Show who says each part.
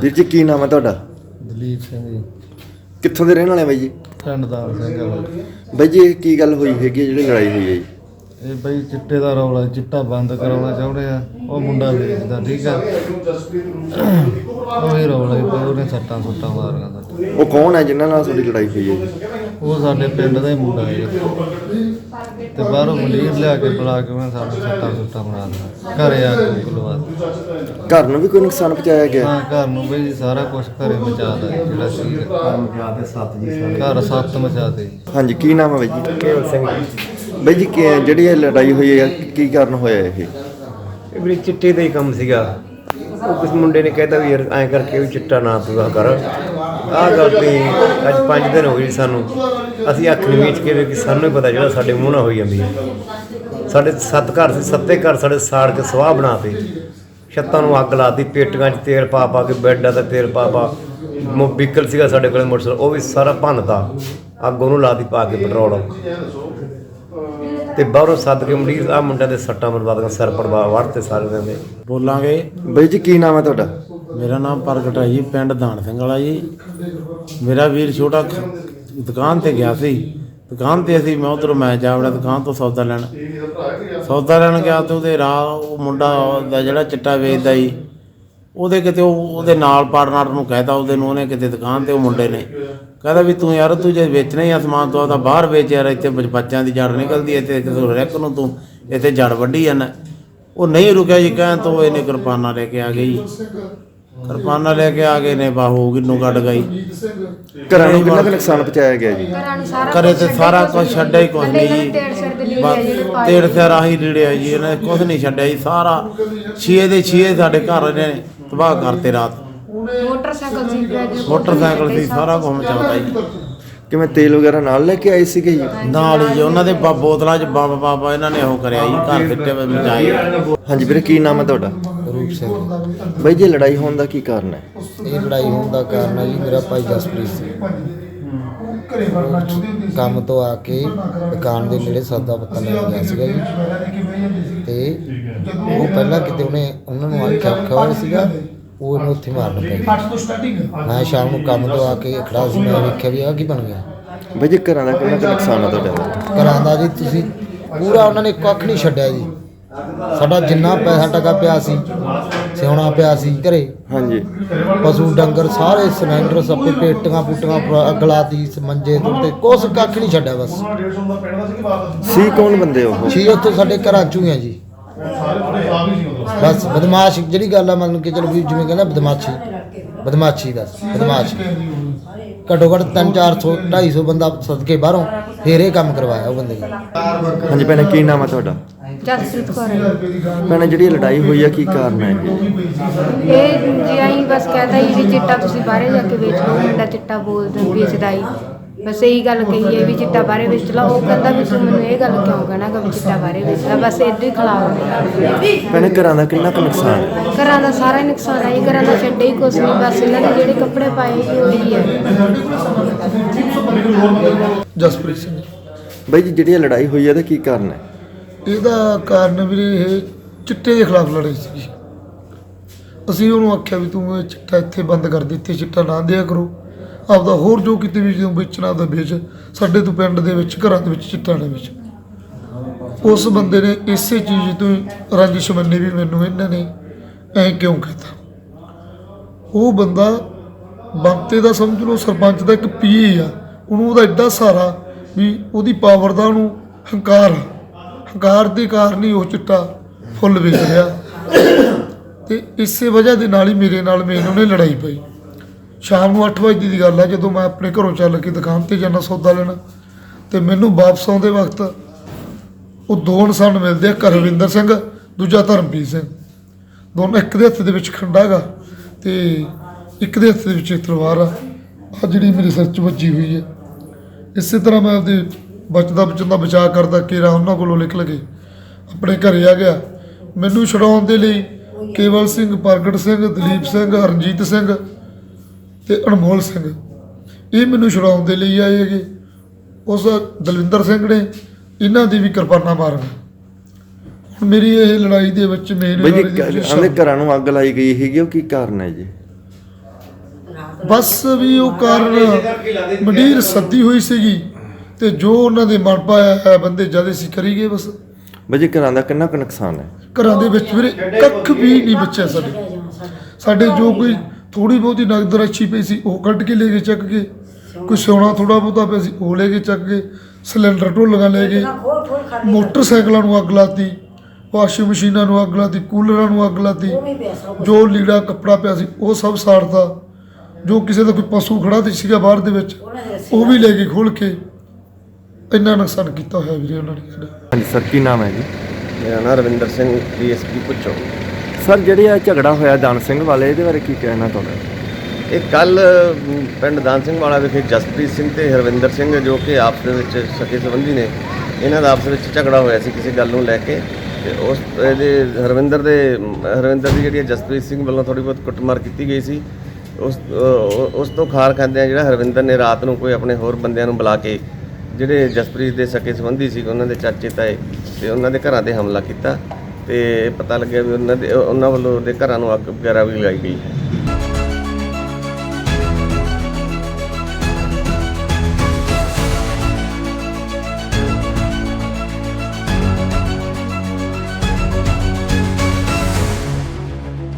Speaker 1: ਵੀਰ ਜੀ ਕੀ ਨਾਮ ਹੈ ਤੁਹਾਡਾ?
Speaker 2: ਦਲੀਪ ਸਿੰਘ ਜੀ।
Speaker 1: ਕਿੱਥੋਂ ਦੇ ਰਹਿਣ ਵਾਲੇ ਬਾਈ ਜੀ?
Speaker 2: ਪਿੰਡ ਦਾਲ ਸਿੰਘ ਵਾਲਾ।
Speaker 1: ਬਾਈ ਜੀ ਇਹ ਕੀ ਗੱਲ ਹੋਈ ਹੈਗੀ ਹੈ ਜਿਹੜੀ ਲੜਾਈ ਹੋਈ ਹੈ ਜੀ?
Speaker 2: ਇਹ ਬਈ ਚਿੱਟੇ ਦਾ ਰੌਲਾ, ਚਿੱਟਾ ਬੰਦ ਕਰਾਉਣਾ ਚਾਹੁੰਦੇ ਆ। ਉਹ ਮੁੰਡਾ ਵੇਚਦਾ, ਠੀਕ ਆ। ਉਹ ਹੀ ਰੌਲਾ ਉਹਨੇ ਸੱਟਾਂ ਸੁੱਟਾਂ ਮਾਰੀਆਂ ਸਾਡੇ।
Speaker 1: ਉਹ ਕੌਣ ਹੈ ਜਿਨ੍ਹਾਂ ਨਾਲ ਤੁਹਾਡੀ ਲੜਾਈ ਹੋਈ ਹੈ ਜੀ?
Speaker 2: ਉਹ ਸਾਡੇ ਪਿੰਡ ਦਾ ਹੀ ਮੁੰਡਾ ਹੈ ਤੇ ਬਾਹਰੋਂ ਮਲੀਰ ਲਿਆ ਕੇ ਬੁਲਾ ਕੇ ਮੈਂ ਸਾਡੇ ਸੱਟਾਂ ਸੁੱਟਾਂ ਮਾਰ ਦਿੱਤਾ। ਘਰੇ ਆ ਕੇ ਬੁਲਵਾ ਦਿੱਤਾ।
Speaker 1: ਘਰ ਨੂੰ ਵੀ ਕੋਈ ਨੁਕਸਾਨ ਪਹੁੰਚਾਇਆ ਗਿਆ?
Speaker 2: ਹਾਂ, ਘਰ ਨੂੰ ਬਈ ਸਾਰਾ ਕੁਝ ਘਰੇ ਮਚਾ ਦਿੱਤਾ ਜਿਹੜਾ ਸੀ। ਘਰ ਸੱਤ ਮਚਾ ਦਿੱਤੇ ਜੀ।
Speaker 1: ਹਾਂਜੀ ਕੀ ਨਾਮ ਹੈ ਬਾਈ ਜੀ?
Speaker 3: ਕੇਵਲ ਸਿੰਘ।
Speaker 1: ਬਾਈ ਜੀ ਜਿਹੜੀ ਇਹ ਲੜਾਈ ਹੋਈ ਹੈ ਕੀ ਕਾਰਨ ਹੋਇਆ ਇਹ?
Speaker 3: ਇਹ ਵੀ ਚਿੱਟੇ ਦਾ ਹੀ ਕੰਮ ਸੀਗਾ। ਉਹ ਕਿਸ ਮੁੰਡੇ ਨੇ ਕਹਿਤਾ ਵੀ ਯਾਰ ਐਂ ਕਰਕੇ ਵੀ ਚਿੱਟਾ ਨਾ ਪੂਰਾ ਕਰ। ਆਹ ਗੱਲ ਤੇ ਅੱਜ 5 ਦਿਨ ਹੋ ਗਏ ਸਾਨੂੰ। ਅਸੀਂ ਅੱਖ ਨਹੀਂ ਮੀਚ ਕੇ ਵੀ ਸਾਨੂੰ ਹੀ ਪਤਾ ਜਿਹੜਾ ਸਾਡੇ ਮੂੰਹ ਨਾਲ ਹੋਈ ਜਾਂਦੀ ਹੈ। ਸਾਡੇ 7 ਘਰ ਸੀ, 7 ਘਰ ਸਾਡੇ ਸਾੜ ਕੇ ਸਵਾਹ ਬਣਾ ਤੇ, ਛੱਤਾਂ ਨੂੰ ਅੱਗ ਲਾਤੀ, ਪੇਟੀਆਂ 'ਚ ਤੇਲ ਪਾ ਪਾ ਕੇ, ਬੈੱਡਾਂ 'ਤੇ ਤੇਲ ਪਾ ਪਾ। ਵਹੀਕਲ ਸੀਗਾ ਸਾਡੇ ਕੋਲ ਮੋਟਰਸਾਈਕਲ, ਉਹ ਵੀ ਸਾਰਾ ਭੰਨਤਾ, ਅੱਗ ਉਹਨੂੰ ਲਾਤੀ ਪਾ ਕੇ ਪੈਟਰੋਲ। ਤੇ ਬਾਹਰੋਂ ਸੱਦ ਕੇ ਮੰਡੀਰ ਆਹ ਮੁੰਡਿਆਂ ਦੇ ਸੱਟਾਂ ਬਰਬਾਦ, ਸਿਰ ਪੜਵਾ ਵੜਤੇ ਸਾਰੇ ਦਿਨ ਦੇ।
Speaker 4: ਬੋਲਾਂਗੇ।
Speaker 1: ਬਾਈ ਜੀ ਕੀ ਨਾਮ ਹੈ ਤੁਹਾਡਾ?
Speaker 4: ਮੇਰਾ ਨਾਮ ਪ੍ਰਗਟ ਹੈ ਜੀ, ਪਿੰਡ ਦਾਨ ਸਿੰਘ ਵਾਲਾ ਜੀ। ਮੇਰਾ ਵੀਰ ਛੋਟਾ ਦੁਕਾਨ ਤੇ ਗਿਆ ਸੀ। ਦੁਕਾਨ ਤੇ ਅਸੀਂ ਮੈਂ ਜਾ ਵੜਿਆ ਦੁਕਾਨ ਤੋਂ ਸੌਦਾ ਲੈਣ ਗਿਆ ਤੇ ਉਹਦੇ ਰਾਹ ਉਹ ਮੁੰਡਾ ਦਾ ਜਿਹੜਾ ਚਿੱਟਾ ਵੇਚਦਾ ਜੀ, ਉਹਦੇ ਕਿਤੇ ਉਹਦੇ ਨਾਲ ਪਾਰਟਨਰ ਨੂੰ ਕਹਿਤਾ ਉਹਨੇ ਕਿਤੇ ਦੁਕਾਨ ਤੇ ਉਹ ਮੁੰਡੇ ਨੇ ਕਹਿੰਦਾ ਵੀ ਤੂੰ ਯਾਰ ਤੂੰ ਜੇ ਵੇਚਣਾ ਹੀ ਆ ਸਮਾਨ ਤੋਂ ਆਪਦਾ ਬਾਹਰ ਵੇਚ ਯਾਰ, ਇੱਥੇ ਬੱਚਿਆਂ ਦੀ ਜੜ ਨਿਕਲਦੀ ਹੈ, ਇੱਥੇ ਕਿਸੇ ਰੈਕ ਨੂੰ ਤੂੰ ਇੱਥੇ ਜੜ ਵੱਢੀ ਜਾਂਦਾ। ਉਹ ਨਹੀਂ ਰੁਕਿਆ ਜੀ, ਕਹਿਣ ਤੋਂ ਇਹਨੇ ਕਿਰਪਾਨਾਂ ਲੈ ਕੇ ਆ ਗਏ ਜੀ। ਕਿਰਪਾਨਾਂ ਲੈ ਕੇ ਆ ਗਏ ਨੇ, ਬਾਹੂ ਕਿੰਨੂ ਕੱਢ ਗਈ।
Speaker 1: ਘਰਾਂ ਨੂੰ ਕਿੰਨਾ ਕੁ ਨੁਕਸਾਨ ਪਹੁੰਚਾਇਆ ਗਿਆ ਜੀ?
Speaker 4: ਘਰੇ ਤੇ ਸਾਰਾ ਕੁਝ ਛੱਡਿਆ ਹੀ ਕੁਝ ਨਹੀਂ ਜੀ। ਤੇੜ ਸਿਰ ਆਹੀ ਲੀੜਿਆ ਜੀ, ਇਹਨੇ ਕੁਝ ਨਹੀਂ ਛੱਡਿਆ ਜੀ। ਸਾਰਾ 6 ਦੇ 6 ਸਾਡੇ ਘਰ ਨੇ ਤਬਾਹ ਕਰਤੇ। ਰਾਤ ਮੋਟਰਸਾਈਕਲ ਸੀ, ਸਾਰਾ ਕੁਝ ਚੱਲਦਾ ਜੀ।
Speaker 1: ਕਿਵੇਂ ਤੇਲ ਵਗੈਰਾ ਨਾਲ ਲੈ ਕੇ ਆਏ ਸੀਗੇ ਜੀ?
Speaker 4: ਨਾਲ ਹੀ ਜੀ, ਉਹਨਾਂ ਦੇ ਬੋਤਲਾਂ 'ਚ ਬੰਬ ਬਾਬਾ ਇਹਨਾਂ ਨੇ ਉਹ ਕਰਿਆ ਜੀ, ਘਰ ਫਿੱਟੇ ਮਚਾਏ।
Speaker 1: ਹਾਂਜੀ ਵੀਰੇ ਕੀ ਨਾਮ ਹੈ ਤੁਹਾਡਾ?
Speaker 2: ਰੂਪ ਸਿੰਘ।
Speaker 1: ਬਾਈ ਜੀ ਲੜਾਈ ਹੋਣ ਦਾ ਕੀ ਕਾਰਨ ਹੈ?
Speaker 2: ਇਹ ਲੜਾਈ ਹੋਣ ਦਾ ਕਾਰਨ ਹੈ ਜੀ, ਮੇਰਾ ਭਾਈ ਜਸਪ੍ਰੀਤ ਸੀ ਕੰਮ ਤੋਂ ਆ ਕੇ ਦੁਕਾਨ ਦੇ ਨੇੜੇ ਸੌਦਾ ਪੱਤਾ ਲੈਣ ਗਿਆ ਸੀਗਾ ਜੀ। ਤੇ ਉਹ ਪਹਿਲਾਂ ਕਿਤੇ ਉਹਨਾਂ ਨੂੰ ਆਖਿਆ ਹੋਇਆ ਸੀਗਾ, ਉਹ ਇਹਨੂੰ ਉੱਥੇ ਮਾਰਨ ਪਿਆ। ਮੈਂ ਸ਼ਾਮ ਨੂੰ ਕੰਮ ਤੋਂ ਆ ਕੇ ਖੜਾ ਸੀ, ਮੈਂ ਵੇਖਿਆ ਵੀ ਆਹ ਕੀ ਬਣ ਗਿਆ।
Speaker 1: ਬਾਈ ਜੀ ਘਰਾਂ ਦਾ ਕਿੰਨਾ ਕੁ ਨੁਕਸਾਨ ਹੈ ਤੁਹਾਡਾ?
Speaker 2: ਘਰਾਂ ਦਾ ਜੀ ਤੁਸੀਂ ਪੂਰਾ ਉਹਨਾਂ ਨੇ ਕੱਖ ਨਹੀਂ ਛੱਡਿਆ ਜੀ। ਸਾਡਾ ਜਿੰਨਾ ਪੈਸਾ ਟਕਾ ਪਿਆ ਸੀ, ਸਿਉਣਾ ਪਿਆ ਸੀ ਘਰੇ,
Speaker 1: ਹਾਂਜੀ,
Speaker 2: ਪਸ਼ੂ ਡੰਗਰ ਸਾਰੇ ਸਿਲੰਡਰ ਸੱਪੇ ਪੇਟੀਆਂ ਪੁੱਟੀਆਂ ਅੱਗ ਲਾਤੀ, ਮੰਜੇ ਤੇ ਕੁਛ ਕੱਖ ਨਹੀਂ ਛੱਡਿਆ। ਬਸ
Speaker 1: ਸੀ ਕੌਣ ਬੰਦੇ ਉਹ?
Speaker 2: ਛੀ ਉੱਥੇ ਸਾਡੇ ਘਰਾਂ 'ਚੋਂ ਹੀ ਆ ਜੀ। ਬਸ ਬਦਮਾਸ਼ ਜਿਹੜੀ ਗੱਲ ਆ, ਮਤਲਬ ਕਿ ਚਲੋ ਵੀ ਜਿਵੇਂ ਕਹਿੰਦਾ ਬਦਮਾਸ਼ੀ ਘੱਟੋ ਘੱਟ 300 250 ਬੰਦਾ ਸਦਕੇ ਬਾਹਰੋਂ ਫੇਰ ਇਹ ਕੰਮ ਕਰਵਾਇਆ ਉਹ ਬੰਦੇ ਨੇ।
Speaker 1: ਹਾਂਜੀ ਭੈਣੇ ਕੀ ਨਾਮ ਹੈ ਤੁਹਾਡਾ?
Speaker 5: ਜਸਪ੍ਰੀਤ ਕੌਰ।
Speaker 1: ਭੈਣੇ ਜਿਹੜੀ ਲੜਾਈ ਹੋਈ ਹੈ ਕੀ ਕਾਰਨ ਹੈ
Speaker 5: ਇਹ ਜੀ ਆਈ ਬਸ ਕਹਤਾ ਹੀ ਵੀ ਚਿੱਟਾ ਤੁਸੀਂ ਬਾਹਰੇ ਜਾ ਕੇ ਵੇਚ ਲਓ, ਮੁੰਡਾ ਚਿੱਟਾ ਵੇਚਦਾ ਹੀ। ਬਸ ਇਹੀ ਗੱਲ ਕਹੀ ਹੈ ਵੀ ਚਿੱਟਾ ਬਾਹਰੇ ਵੇਚ ਲਾ। ਉਹ ਕਹਿੰਦਾ ਵੀ ਤੂੰ ਮੈਨੂੰ ਇਹ ਗੱਲ ਕਿਉਂ ਕਹਿਣਾ ਕਿ ਵੀ ਚਿੱਟਾ ਬਾਹਰੇ ਵੇਚ ਲਾ। ਬਸ ਇੱਦਾਂ ਹੀ ਖਿਲਾਫ।
Speaker 1: ਭੈਣੇ ਘਰਾਂ ਦਾ ਕਿੰਨਾ ਕੁ ਨੁਕਸਾਨ ਹੈ?
Speaker 5: ਘਰਾਂ ਦਾ ਸਾਰਾ ਹੀ ਨੁਕਸਾਨ ਹੈ ਜੀ। ਘਰਾਂ ਦਾ ਛੱਡੇ ਹੀ ਕੁਛ ਨਹੀਂ, ਬਸ ਇਹਨਾਂ ਨੇ ਜਿਹੜੇ ਕੱਪੜੇ ਪਾਏ ਸੀ ਉਹੀ ਹੈ।
Speaker 6: ਜਸਪ੍ਰੀਤ ਸਿੰਘ।
Speaker 1: ਬਾਈ ਜੀ ਜਿਹੜੀ ਲੜਾਈ ਹੋਈ ਹੈ ਇਹਦਾ ਕੀ ਕਾਰਨ ਹੈ?
Speaker 6: ਇਹਦਾ ਕਾਰਨ ਵੀਰੇ ਇਹ ਚਿੱਟੇ ਦੇ ਖਿਲਾਫ ਲੜਾਈ ਸੀ। ਅਸੀਂ ਉਹਨੂੰ ਆਖਿਆ ਵੀ ਤੂੰ ਇਹ ਚਿੱਟਾ ਇੱਥੇ ਬੰਦ ਕਰ ਦੇ, ਇੱਥੇ ਚਿੱਟਾ ਨਾ ਦਿਆ ਕਰੋ। ਆਪਦਾ ਹੋਰ ਜੋ ਕਿਤੇ ਵੀ ਜਦੋਂ ਵੇਚਣਾ ਆਪਦਾ ਵੇਚ, ਸਾਡੇ ਤੋਂ ਪਿੰਡ ਦੇ ਵਿੱਚ ਘਰਾਂ ਦੇ ਵਿੱਚ ਚਿੱਟਾ ਨਾ ਵੇਚ। ਉਸ ਬੰਦੇ ਨੇ ਇਸੇ ਚੀਜ਼ ਤੋਂ ਰੰਜਿਸ਼ ਮੰਨੀ ਵੀ ਮੈਨੂੰ ਇਹਨਾਂ ਨੇ ਐਂ ਕਿਉਂ ਕਹਿਤਾ। ਉਹ ਬੰਦਾ ਬੰਤੇ ਦਾ ਸਮਝ ਲਓ ਸਰਪੰਚ ਦਾ ਇੱਕ ਪੀਏ ਆ, ਉਹਨੂੰ ਉਹਦਾ ਐਡਾ ਸਹਾਰਾ ਵੀ ਉਹਦੀ ਪਾਵਰ ਦਾ ਉਹਨੂੰ ਹੰਕਾਰ ਦੇ ਕਾਰਨ ਹੀ ਉਹ ਚਿੱਟਾ ਫੁੱਲ ਵੇਚ ਰਿਹਾ। ਤੇ ਇਸੇ ਵਜ੍ਹਾ ਦੇ ਨਾਲ ਹੀ ਮੇਰੇ ਨਾਲ ਉਹਨੇ ਲੜਾਈ ਪਈ। ਸ਼ਾਮ ਨੂੰ 8 ਵਜੇ ਦੀ ਗੱਲ ਆ, ਜਦੋਂ ਮੈਂ ਆਪਣੇ ਘਰੋਂ ਚੱਲ ਕੇ ਦੁਕਾਨ 'ਤੇ ਜਾਂਦਾ ਸੌਦਾ ਲੈਣਾ, ਅਤੇ ਮੈਨੂੰ ਵਾਪਸ ਆਉਂਦੇ ਵਕਤ ਉਹ 2 ਇਨਸਾਨ ਮਿਲਦੇ ਆ, ਕਰਵਿੰਦਰ ਸਿੰਘ, ਦੂਜਾ ਧਰਮਪ੍ਰੀਤ ਸਿੰਘ। ਦੋਨੋਂ ਇੱਕ ਦੇ ਹੱਥ ਦੇ ਵਿੱਚ ਖੰਡਾ ਗਾ ਅਤੇ ਇੱਕ ਦੇ ਹੱਥ ਦੇ ਵਿੱਚ ਤਲਵਾਰ ਆ ਜਿਹੜੀ ਮੇਰੇ ਸਿਰ 'ਚ ਵੱਜੀ ਹੋਈ ਹੈ। ਇਸੇ ਤਰ੍ਹਾਂ ਮੈਂ ਆਪਦੇ ਬਚਣ ਦਾ ਬਚਾਅ ਕਰਦਾ ਕੇਰਾ ਉਹਨਾਂ ਕੋਲੋਂ ਨਿਕਲ ਕੇ ਆਪਣੇ ਘਰੇ ਆ ਗਿਆ। ਮੈਨੂੰ ਛੁਡਾਉਣ ਦੇ ਲਈ ਕੇਵਲ ਸਿੰਘ, ਪ੍ਰਗਟ ਸਿੰਘ, ਦਲੀਪ ਸਿੰਘ, ਰਣਜੀਤ ਸਿੰਘ ਅਤੇ ਅਨਮੋਲ ਸਿੰਘ ਇਹ ਮੈਨੂੰ ਛੁਡਾਉਣ ਦੇ ਲਈ ਆਏ ਹੈਗੇ। ਉਸ ਦਲਵਿੰਦਰ ਸਿੰਘ ਨੇ ਇਹਨਾਂ ਦੀ ਵੀ ਕਿਰਪਾਨਾਂ ਮਾਰੀਆਂ। ਹੁਣ ਮੇਰੀ ਇਹ ਲੜਾਈ ਦੇ ਵਿੱਚ ਮੇਨ
Speaker 1: ਘਰਾਂ ਨੂੰ ਅੱਗ ਲਾਈ ਗਈ ਹੈਗੀ, ਉਹ ਕੀ ਕਾਰਨ ਹੈ ਜੀ?
Speaker 6: ਬਸ ਵੀ ਉਹ ਕਾਰਨ ਮੰਡੀਰ ਸੱਦੀ ਹੋਈ ਸੀਗੀ ਤੇ ਜੋ ਉਹਨਾਂ ਦੇ ਮਨ ਪਾਇਆ ਹੈ ਬੰਦੇ ਜਦ ਅਸੀਂ ਕਰੀ ਗਏ ਬਸ।
Speaker 1: ਬਾਜੀ ਘਰਾਂ ਦਾ ਕਿੰਨਾ ਕੁ ਨੁਕਸਾਨ ਹੈ?
Speaker 6: ਘਰਾਂ ਦੇ ਵਿੱਚ ਵੀਰੇ ਕੱਖ ਵੀ ਨਹੀਂ ਬਚਿਆ ਸਾਡੇ ਜੋ ਕੋਈ ਥੋੜੀ ਬਹੁਤੀ ਨਗਦ ਰਾਸ਼ੀ ਪਈ ਸੀ ਉਹ ਕੱਢ ਕੇ ਲੈ ਗਏ ਚੱਕ ਕੇ, ਕੋਈ ਸੋਨਾ ਥੋੜਾ ਬਹੁਤਾ ਪਿਆ ਸੀ ਉਹ ਲੈ ਕੇ ਚੱਕ ਕੇ, ਸਿਲੰਡਰ ਢੋਲੀਆਂ ਲੈ ਗਏ, ਮੋਟਰਸਾਈਕਲਾਂ ਨੂੰ ਅੱਗ ਲਾਤੀ, ਵਾਸ਼ਿੰਗ ਮਸ਼ੀਨਾਂ ਨੂੰ ਅੱਗ ਲਾਤੀ, ਕੂਲਰਾਂ ਨੂੰ ਅੱਗ ਲਾਤੀ, ਜੋ ਲੀੜਾ ਕੱਪੜਾ ਪਿਆ ਸੀ ਉਹ ਸਭ ਸਾੜਤਾ, ਜੋ ਕਿਸੇ ਦਾ ਕੋਈ ਪਸ਼ੂ ਖੜਾ ਤੇ ਸੀਗਾ ਬਾਹਰ ਦੇ ਵਿੱਚ ਉਹ ਵੀ ਲੈ ਕੇ ਖੋਲ ਕੇ ਇੰਨਾ ਨੁਕਸਾਨ ਕੀਤਾ ਹੋਇਆ ਵੀਰੇ ਉਹਨਾਂ ਨੇ ਸਾਡਾ।
Speaker 1: ਹਾਂਜੀ ਸਰ, ਕੀ ਨਾਮ ਹੈ ਜੀ?
Speaker 7: ਮੇਰਾ ਨਾਮ ਰਵਿੰਦਰ ਸਿੰਘ ਡੀਐਸਪੀ ਪੁੱਛੋ।
Speaker 1: ਸਰ ਜਿਹੜੇ ਇਹ ਝਗੜਾ ਹੋਇਆ ਦਾਨ ਸਿੰਘ ਵਾਲੇ, ਇਹਦੇ ਬਾਰੇ ਕੀ ਕਹਿਣਾ ਤੁਹਾਡਾ?
Speaker 7: ਇਹ ਕੱਲ ਪਿੰਡ ਦਾਨ ਸਿੰਘ ਵਾਲਾ ਵਿਖੇ ਜਸਪ੍ਰੀਤ ਸਿੰਘ ਤੇ ਹਰਵਿੰਦਰ ਸਿੰਘ ਜੋ ਕਿ ਆਪਸ ਦੇ ਵਿੱਚ ਸਕੇ ਸੰਬੰਧੀ ਨੇ, ਇਹਨਾਂ ਦਾ ਆਪਸ ਵਿੱਚ ਝਗੜਾ ਹੋਇਆ ਸੀ ਕਿਸੇ ਗੱਲ ਨੂੰ ਲੈ ਕੇ। ਤੇ ਉਸ ਇਹਦੇ ਹਰਵਿੰਦਰ ਦੀ ਜਿਹੜੀ ਜਸਪ੍ਰੀਤ ਸਿੰਘ ਵੱਲੋਂ ਥੋੜ੍ਹੀ ਬਹੁਤ ਕੁੱਟਮਾਰ ਕੀਤੀ ਗਈ ਸੀ। ਉਸ ਤੋਂ ਖਾਰ ਖਾਂਦਿਆਂ ਜਿਹੜਾ ਹਰਵਿੰਦਰ ਨੇ ਰਾਤ ਨੂੰ ਕੋਈ ਆਪਣੇ ਹੋਰ ਬੰਦਿਆਂ ਨੂੰ ਬੁਲਾ ਕੇ ਜਿਹੜੇ ਜਸਪ੍ਰੀਤ ਦੇ ਸਕੇ ਸੰਬੰਧੀ ਸੀ ਉਹਨਾਂ ਦੇ ਚਾਚੇ ਤਾਏ ਤੇ ਉਹਨਾਂ ਦੇ ਘਰਾਂ 'ਤੇ ਹਮਲਾ ਕੀਤਾ ਤੇ ਪਤਾ ਲੱਗਿਆ ਵੀ ਉਹਨਾਂ ਵੱਲੋਂ ਉਹਦੇ ਘਰਾਂ ਨੂੰ ਅੱਗ ਵਗੈਰਾ ਵੀ ਲਗਾਈ ਗਈ।